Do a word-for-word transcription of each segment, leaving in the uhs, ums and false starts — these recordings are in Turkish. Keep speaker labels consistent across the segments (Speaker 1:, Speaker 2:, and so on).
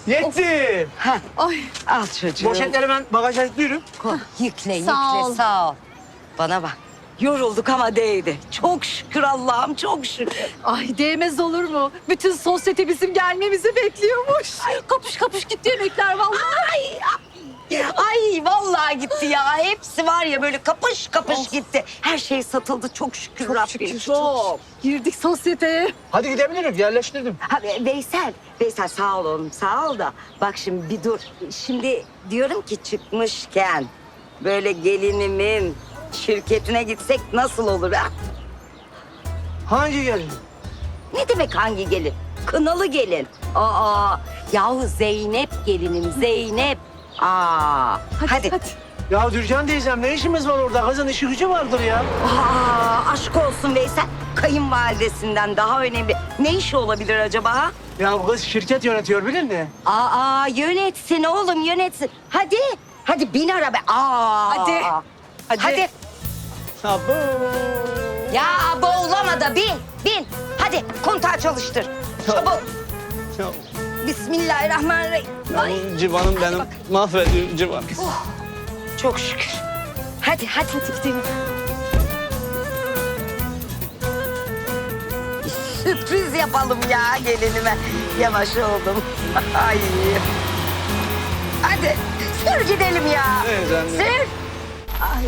Speaker 1: Yetti.
Speaker 2: Ha,
Speaker 3: Ay.
Speaker 2: al çocuğum.
Speaker 1: Poşetleri ben bagaja yüklüyorum.
Speaker 2: Koy, yükle, yükle.
Speaker 3: Sağ ol.
Speaker 2: Sağ ol. Bana bak. Yorulduk ama değdi. Çok şükür Allah'ım, çok şükür.
Speaker 3: Ay değmez olur mu? Bütün sosyete bizim gelmemizi bekliyormuş. Kapış kapış gitti yemekler vallahi.
Speaker 2: Ay, ay vallahi gitti ya. Hepsi var ya böyle kapış kapış
Speaker 3: Of.
Speaker 2: gitti. Her şey satıldı çok şükür
Speaker 3: Çok
Speaker 2: Rabbim.
Speaker 3: şükür, çok. Girdik sosyeteye.
Speaker 1: Hadi gidebilirim. Yerleştirdim.
Speaker 2: Ha, Veysel, Veysel sağ ol oğlum sağ ol da. Bak şimdi bir dur. Şimdi diyorum ki çıkmışken böyle gelinimin şirketine gitsek nasıl olur ha?
Speaker 1: Hangi gelin?
Speaker 2: Ne demek hangi gelin? Kınalı gelin. Aa, yahu Zeynep gelinim Zeynep. Aa,
Speaker 3: Hadi
Speaker 2: hadi.
Speaker 3: hadi.
Speaker 1: Ya Dürcan teyzem ne işimiz var orada? Kızın işi gücü vardır ya.
Speaker 2: Aa, aşk olsun Veysel. Kayınvalidesinden daha önemli. Ne işi olabilir acaba ha?
Speaker 1: Ya kız şirket yönetiyor bilir mi?
Speaker 2: Aa, yönetsin oğlum yönetsin. Hadi, hadi bin araba. Aa.
Speaker 3: Hadi.
Speaker 2: Hadi. Hadi.
Speaker 1: Abo.
Speaker 2: Ya boğulama da bin, bin. Hadi kontağı çalıştır. Çabuk.
Speaker 1: Ya,
Speaker 2: Bismillahirrahmanirrahim. Ay,
Speaker 1: ya civanım benim. Mahvediyor civan.
Speaker 2: çok şükür. Hadi, hadi, hadi gidelim. Sürpriz yapalım ya gelinime. Yavaş oldum. Ay. Hadi sür gidelim ya.
Speaker 1: Evet anne.
Speaker 2: Sür. Ay.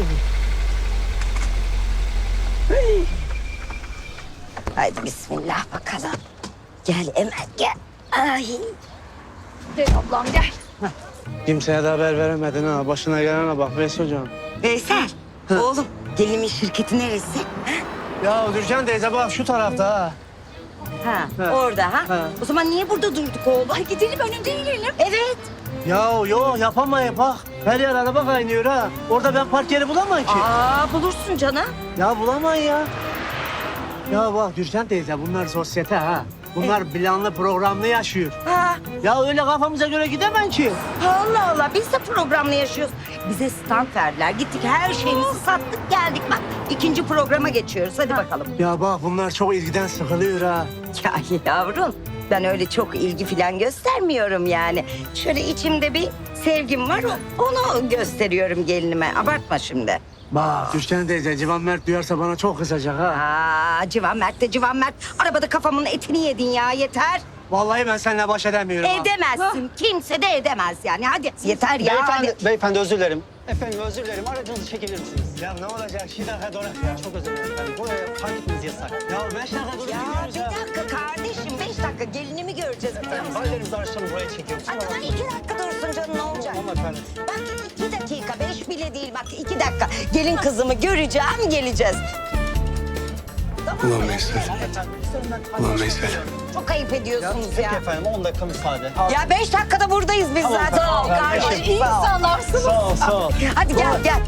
Speaker 2: Ay. Haydi bismillah bakalım. Gel Emel gel. Ay.
Speaker 3: Gel ablam gel.
Speaker 1: Kimseye de haber veremedin ha. Başına gelene bak Veys hocam.
Speaker 2: Veysel, oğlum gelinimin şirketi neresi?
Speaker 1: Ya Dürcan teyze bak şu tarafta ha.
Speaker 2: Ha,
Speaker 1: Ha.
Speaker 2: orada ha?
Speaker 1: Ha.
Speaker 2: O zaman niye burada durduk oğlum?
Speaker 3: Ay gidelim önünde inelim.
Speaker 2: Evet.
Speaker 1: Ya yo yapamayız bak. Her yer araba kaynıyor ha. Orada ben park yeri bulamam ki.
Speaker 2: Aa bulursun canım.
Speaker 1: Ya bulamayız ya. Ya bak Dürcan teyze bunlar sosyete ha. Bunlar planlı programlı yaşıyor.
Speaker 2: Ha,
Speaker 1: Ya öyle kafamıza göre gidemem ki.
Speaker 2: Allah Allah biz de programla yaşıyoruz. Bize stand verdiler. Gittik her şeyimizi sattık geldik. Bak ikinci programa geçiyoruz. Hadi bakalım.
Speaker 1: Ya bak bunlar çok ilgiden sıkılıyor ha.
Speaker 2: Ya yavrum ben öyle çok ilgi falan göstermiyorum yani. Şöyle içimde bir sevgim var onu gösteriyorum gelinime. Abartma şimdi.
Speaker 1: Bak Dürcan teyze Civan Mert duyarsa bana çok kızacak ha.
Speaker 2: Aa Civan Mert de Civan Mert. Arabada kafamın etini yedin ya yeter.
Speaker 1: Vallahi ben seninle baş edemiyorum ha.
Speaker 2: Edemezsin. Kimse de edemez yani. Hadi yeter ya.
Speaker 4: Beyefendi,
Speaker 2: Hadi.
Speaker 4: beyefendi özür dilerim. Efendim özür dilerim. Aracınızı çekebilir misiniz?
Speaker 1: Ya ne olacak? Şu dakika dur ya.
Speaker 4: Çok özür dilerim efendim. Buraya park etmeniz yasak.
Speaker 1: Ya beş dakika dur
Speaker 2: Ya
Speaker 1: gidiyoruz
Speaker 2: bir
Speaker 1: ya.
Speaker 2: dakika kardeşim. Beş dakika gelinimi göreceğiz.
Speaker 4: Efendim baylarımızı araçlarını buraya çekiyoruz.
Speaker 2: Ay tamam iki dakika dursun canım ne olacak?
Speaker 4: Tamam efendim.
Speaker 2: Bak iki dakika. Beş bile değil bak iki dakika. Gelin kızımı göreceğim geleceğiz.
Speaker 5: Ulan Veysel. Ulan Veysel.
Speaker 2: Çok ayıp ediyorsunuz
Speaker 4: Peki
Speaker 2: ya.
Speaker 4: efendim on dakika müsaade.
Speaker 2: Ya beş dakikada buradayız biz
Speaker 4: Tamam,
Speaker 2: zaten.
Speaker 4: tamam,
Speaker 2: Sağ ol
Speaker 4: ben
Speaker 2: kardeşim.
Speaker 3: İyi
Speaker 2: Sağ ol.
Speaker 3: insanlarsınız.
Speaker 4: Sağ ol sağ ol.
Speaker 2: Hadi gel gel.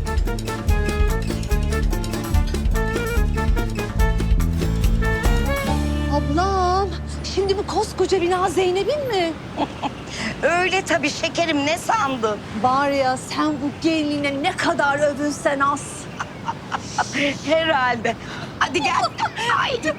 Speaker 3: Ablam şimdi bu koskoca bina Zeynep'in mi?
Speaker 2: Öyle tabii şekerim ne sandın?
Speaker 3: Var ya sen bu gelinine ne kadar övünsen az.
Speaker 2: Herhalde. Hadi gel. Haydi.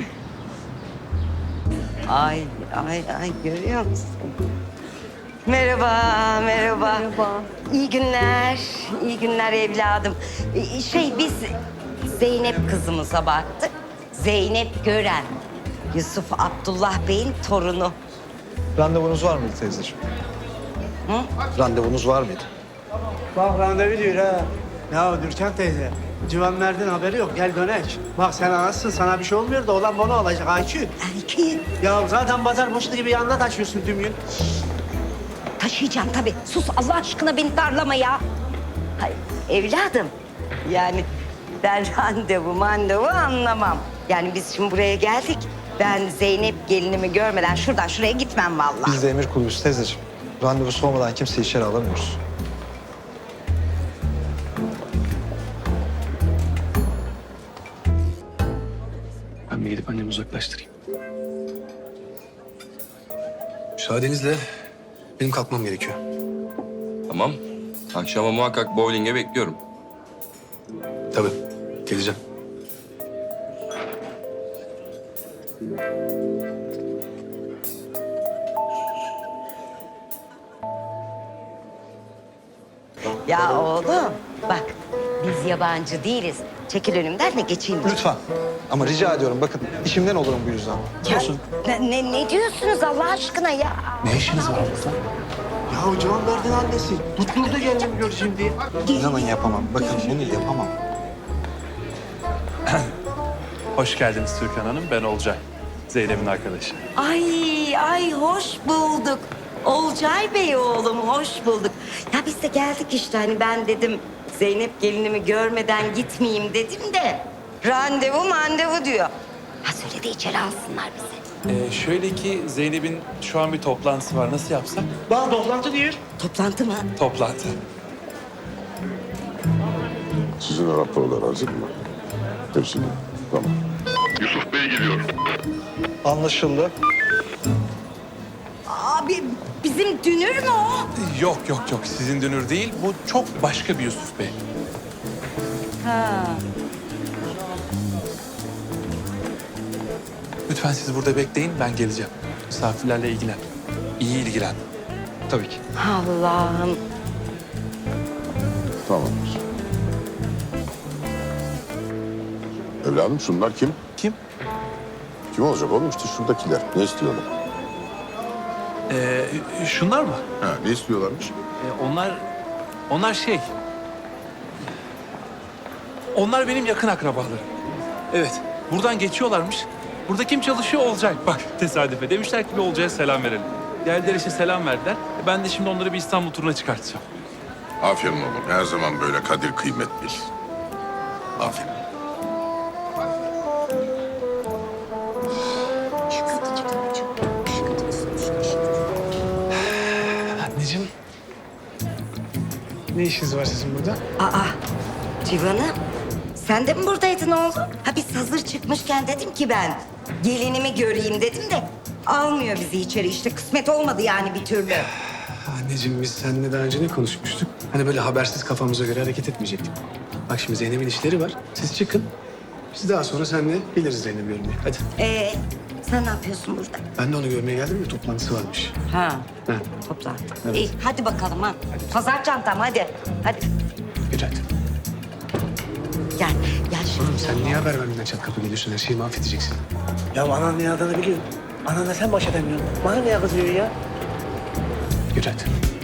Speaker 2: Ay ay ay görüyor musun? Merhaba, merhaba.
Speaker 3: Merhaba.
Speaker 2: İyi günler, iyi günler evladım. Ee, Şey biz Zeynep kızımıza baktık. Zeynep Gören. Yusuf Abdullah Bey'in torunu.
Speaker 6: Randevunuz var mıydı teyzeciğim?
Speaker 2: Hı?
Speaker 6: Randevunuz var mıydı?
Speaker 1: Bak randevu diyor ha. Ya Dürkan teyze. Civan Mert'in haberi yok. Gel dönek. Bak sen anasın. Sana bir şey olmuyor da olan bana olacak. Ayçi.
Speaker 2: Erkeğin.
Speaker 1: Ya zaten pazar boşluğu gibi yanına taşıyorsun tüm gün.
Speaker 2: Taşıyacağım tabii. Sus Allah aşkına beni darlama ya. Hayır, evladım. Yani ben randevu mandevu anlamam. Yani biz şimdi buraya geldik. Ben Zeynep gelinimi görmeden şuradan şuraya gitmem vallahi.
Speaker 6: Biz de emir kuluyuz teyzeciğim. Randevusu olmadan kimseyi içeri alamıyoruz.
Speaker 5: Ben bir gidip annemi uzaklaştırayım. Müsaadenizle benim kalkmam gerekiyor.
Speaker 7: Tamam. Akşama muhakkak bowling'e bekliyorum.
Speaker 5: Tabii, geleceğim.
Speaker 2: Ya oğlum bak biz yabancı değiliz. Çekil önümden de geçeyim.
Speaker 6: Lütfen. Ama rica ediyorum bakın işimden olurum bu yüzden.
Speaker 2: Ya, ne, ne, ne diyorsunuz Allah aşkına ya?
Speaker 5: Ne işiniz var burada?
Speaker 1: Ya Civan Mert'in annesi. Tutturdu gelin görüşeyim diye.
Speaker 6: İnanın yapamam. Bakın bunu yapamam.
Speaker 8: Hoş geldiniz Türkan Hanım. Ben Olcay. Zeynep'in arkadaşı.
Speaker 2: Ay ay hoş bulduk. Olcay Bey oğlum hoş bulduk. Ya biz de geldik işte hani ben dedim Zeynep gelinimi görmeden gitmeyeyim dedim de randevu mandevu diyor. Ha söyle de içeri alsınlar bizi.
Speaker 8: Ee, şöyle ki Zeynep'in şu an bir toplantısı var. Nasıl yapsak?
Speaker 1: Bak toplantı diyor.
Speaker 2: Toplantı mı?
Speaker 8: Toplantı.
Speaker 9: Sizin raporlar hazır mı? Hepsini. Tamam.
Speaker 10: Yusuf Bey geliyor.
Speaker 6: Anlaşıldı.
Speaker 2: Abi bizim dünür mü o?
Speaker 8: Yok yok yok. Sizin dünür değil. Bu çok başka bir Yusuf Bey.
Speaker 2: Ha.
Speaker 8: Lütfen siz burada bekleyin. Ben geleceğim. Misafirlerle ilgilen. İyi ilgilen.
Speaker 6: Tabii ki.
Speaker 2: Allah'ım.
Speaker 9: Tamamdır. Evladım şunlar kim?
Speaker 8: Kim?
Speaker 9: Kim olacak oğlum? İşte şuradakiler. Ne istiyorlar?
Speaker 8: Ee, şunlar mı?
Speaker 9: Ha, ne istiyorlarmış?
Speaker 8: Ee, onlar... Onlar şey... Onlar benim yakın akrabalarım. Evet. Buradan geçiyorlarmış. Burada kim çalışıyor? Olcay. Bak tesadüfe. Demişler ki bir Olcay'a selam verelim. Geldiler işte selam verdiler. Ben de şimdi onları bir İstanbul turuna çıkartacağım.
Speaker 9: Aferin oğlum. Her zaman böyle kadir kıymet bil. Aferin.
Speaker 5: Anneciğim. Ne işiniz var sizin burada?
Speaker 2: Aa Civan'ım sen de mi buradaydın oğlum? Ha biz hazır çıkmışken dedim ki ben gelinimi göreyim dedim de almıyor bizi içeri işte kısmet olmadı yani bir türlü.
Speaker 5: Anneciğim biz seninle daha önce ne konuşmuştuk? Hani böyle habersiz kafamıza göre hareket etmeyecektik. Bak şimdi Zeynep'in işleri var. Siz çıkın. Biz daha sonra seninle geliriz Zeynep'i görmeye. Hadi.
Speaker 2: Ee sen ne yapıyorsun burada?
Speaker 5: Ben de onu görmeye geldim ya toplantısı varmış.
Speaker 2: Ha
Speaker 5: Ha.
Speaker 2: toplantı.
Speaker 5: Evet.
Speaker 2: İyi hadi bakalım ha. Pazar çantam hadi. Hadi
Speaker 5: Yürü hadi.
Speaker 2: gel gel şimdi.
Speaker 5: Oğlum sen niye haber vermeden çat kapı geliyorsun? Her şeyi mahvedeceksin.
Speaker 1: Ya anan ne adını biliyorum. Ananla sen baş edemiyorsun. Bana ne kızıyor ya?
Speaker 5: Yürü hadi.